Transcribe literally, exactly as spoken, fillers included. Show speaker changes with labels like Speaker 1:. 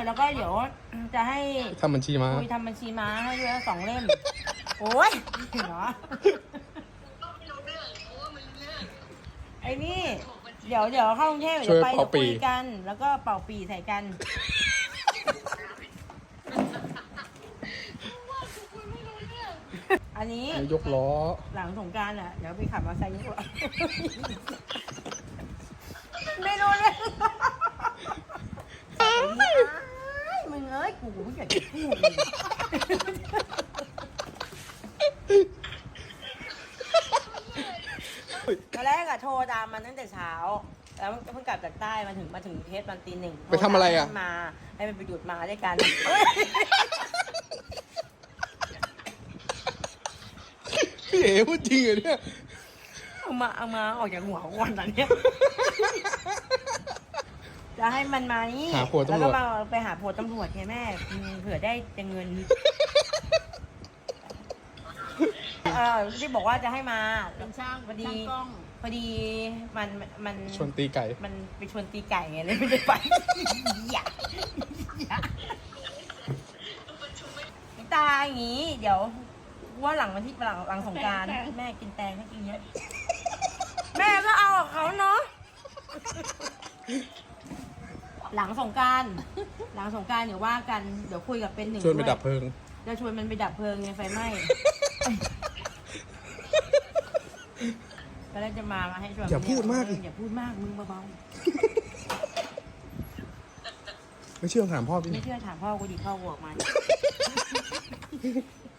Speaker 1: แล้วก็เดี๋ยวจะให้
Speaker 2: ทำบัญชีมา
Speaker 1: คุยทำบัญชีม้าให้ด้วยสองเล่ม โอ้ยเหรอไอ้นี่ เดี๋ยวเดี๋ยวเข้ากรุงเทพเดี๋ยวไปเดี๋ยวคุยกัน แล้วก็เป่าปีใส่กัน อันนี้
Speaker 2: ยกล้อ
Speaker 1: หลังสงกรานต์อ่ะ เดี๋ยวไปขับมอเตอร์ไซค์ยกล้อไม่รู้เลยมึงเอ้ยกูไม่อยากจะพูดเลยตอนแรกอะโทรตามมันตั้งแต่เช้า แล้วเพิ่งกลับจากใต้มาถึงมาถึงเทสมันตีหนึ่ง
Speaker 2: ไปทำอะไรอะ
Speaker 1: มาให้มันไปหยุดมาด้วยกัน
Speaker 2: พี่เอ๋พูดจริงเหรอเนี่ย
Speaker 1: เอามาเอามาออกจากหัวก่อนตอนเนี้ย จะให้มันมานี่
Speaker 2: หาผัวตำรวจ
Speaker 1: แล้วก็มาไปหาผัวตำรวจไงแม่อืมเผื่อได้จะเงิน เออที่บอกว่าจะให้มาเป็นช่างพอดีพอดีมันมัน
Speaker 2: ชวนตีไก่
Speaker 1: มันไปชวนตีไก่ไงเลยไม่ได้ไป อย่าอย่าตาอย่างงี้ เดี๋ยวว่าหลังวันที่หลังหลังสงกรานต์แม่กินแตงให้กินเยอะ แม่ก็เอากับเขาเนาะ หลังสงกรานต์หลังสงกรานต์เดี๋ยวว่ากันเดี๋ยวคุยกับเป็นหนึ่ง
Speaker 2: ชวนไป
Speaker 1: ด้วย
Speaker 2: ดับเพลิง
Speaker 1: จะชวนมันไปดับเพลิงไงไฟไหม้ ก็เลยจะมามาให้ชวน
Speaker 2: อย่าพูดมากดิ
Speaker 1: อย่าพูดมากมึงเบา
Speaker 2: ไม่เชื่อถามพ่อพี่
Speaker 1: ๆไม่เชื่อถามพ่อกูดิพ่อกูออกมา